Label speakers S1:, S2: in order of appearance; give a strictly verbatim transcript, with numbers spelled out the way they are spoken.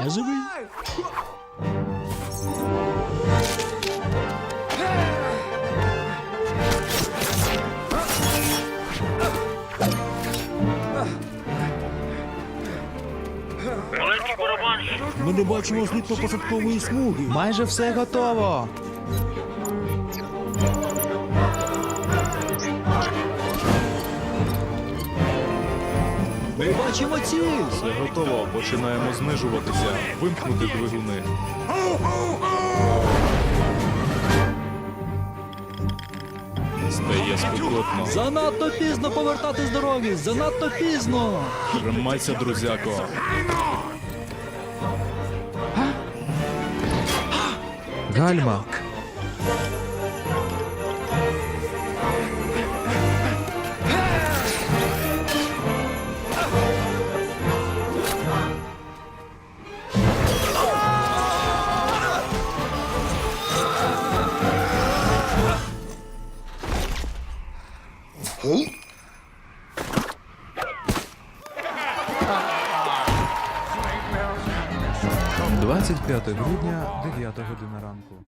S1: Я живий.
S2: Маленький барабанщик.
S1: Ми не бачимо злітно-посадкової смуги.
S3: Майже все готово.
S1: Ми бачимо ціль.
S4: Все готово, починаємо знижуватися. Вимкнути двигуни. Стає спекотно.
S1: Занадто пізно повертати з дороги. Занадто пізно.
S4: Тримайся, друзяко.
S3: Гальма. двадцять п'яте грудня, дев'ята година ранку.